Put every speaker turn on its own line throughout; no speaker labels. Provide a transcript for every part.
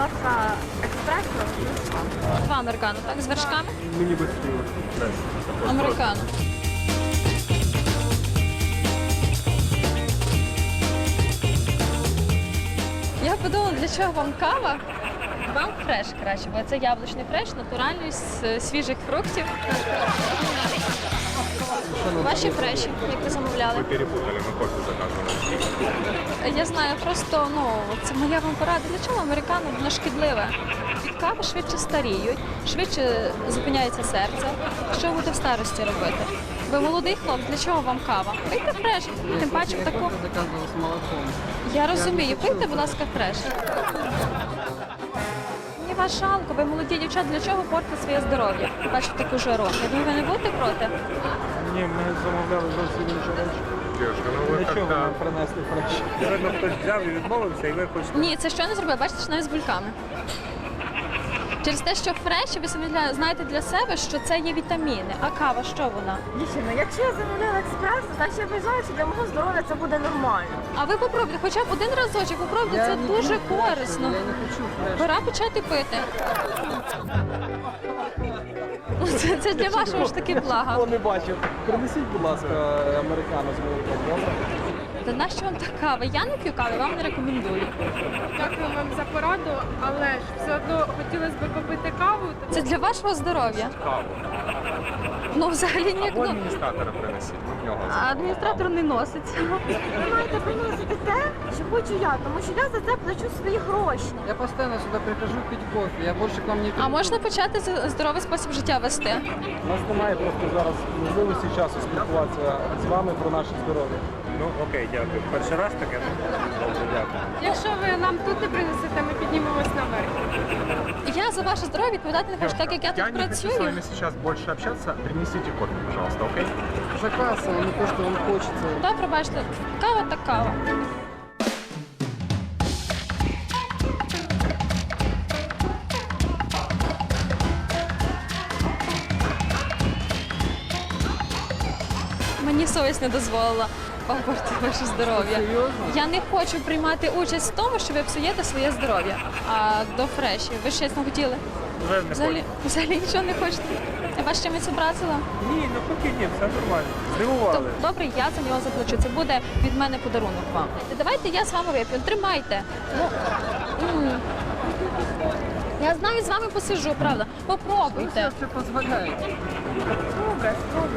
ласка, експресно.
Два американо, так? З вершками?
Мені без пива.
Американо. Я подумала, для чого вам кава? Вам фреш краще, бо це яблучний фреш, натуральний, з свіжих фруктів. Ваші фреші, як ви замовляли?
Ми перепутали, ми кофе заказували.
Я знаю, просто це моя вам порада. Для чого американо? Воно шкідливе. Від кави швидше старіють, швидше зупиняється серце. Що ви будете в старості робити? Ви молодий хлопець, для чого вам кава? Пийте фреш, тим паче в таку.
Заказывал с молоком.
Я розумію, пийте, будь ласка, фреш. Мені вас жалко, ви молоді дівчата, для чого портите своє здоров'я? Бачите таку жару. Я думаю, ви не будете проти?
Ні, ми замовляли зовсім інші речі.
Дівчинка, ну ви
Для чого
как-то...
нам принесли фреш?
Видно, хтось взяв і відмовився, і ви хочете...
Ні, це що не зробили? Бачите, що навіть з бульками. Через те, що фреші, ви самі знаєте для себе, що це є вітаміни. А кава, що вона?
Дівчина, якщо я замовляла експресо, значить я вважаю, що для мого здоров'я це буде нормально.
А ви попробуйте, хоча б один разочок, попробуйте, це дуже корисно.
Я не хочу фреш.
Пора почати пити. Це для вашого ж таки блага.
Хто не бачив, принесіть, будь ласка, американо з молоком, добре?
Та нащо вам та кава? Я не п'ю кави, вам не рекомендую.
Дякую вам за пораду, але ж все одно хотілося б попити каву.
Це для вашого здоров'я.
Каву.
Ну, взагалі ніяк.
Або
Ну,
адміністратора принесіть, ми в нього
а адміністратор не носить.
Ви маєте приносити те, що хочу я, тому що я за це плачу свої гроші.
Я постоянно сюди прихожу пить кофе, я більше к вам не приду.
А можна почати здоровий спосіб життя вести?
У нас немає просто зараз можливості часу спілкуватися з вами про наше здоров'я.
Ну, окей, дякую. Перший раз таке, ну, добре, дякую.
Якщо ви нам тут не принесете, ми піднімемось наверх.
Я за ваше здоров'я відповідати не хочу, так як я тут
не хочу с
працюю.
вами сейчас больше общаться. Принесите кофе, пожалуйста, окей?
Заказ, а не то, що вам хочеться.
Добре, бачите, кава так кава. Мені совість не дозволила портити ваше здоров'я.
Серйозно?
Я не хочу приймати участь в тому, що ви псуєте своє здоров'я. А до фреші, ви ж щось не хотіли?
Вже не
Взагалі нічого не хочете? Я вас чимось образила?
Ні, ну поки ні, все нормально.
То,
Здивували.
добре, я за нього заплачу. Це буде від мене подарунок вам. Давайте я з вами вип'ю. Тримайте. Ну, я знаю, з вами посиджу, правда. Попробуйте.
Це дозволяє.
Добре, спробуй.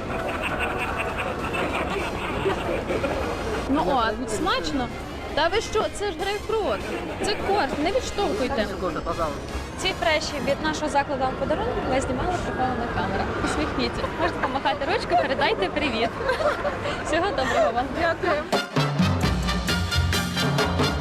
Ну о, смачно. Та ви що? Це ж грейпфрут. Це корт, не відштовхуйте.
Кофе, пожалуйста.
Ці фреші від нашого закладу вам подарунок ми знімали прихована камера. Усміхніться. Можете помахати ручкою, передайте привіт. Всього доброго вам.
Дякую.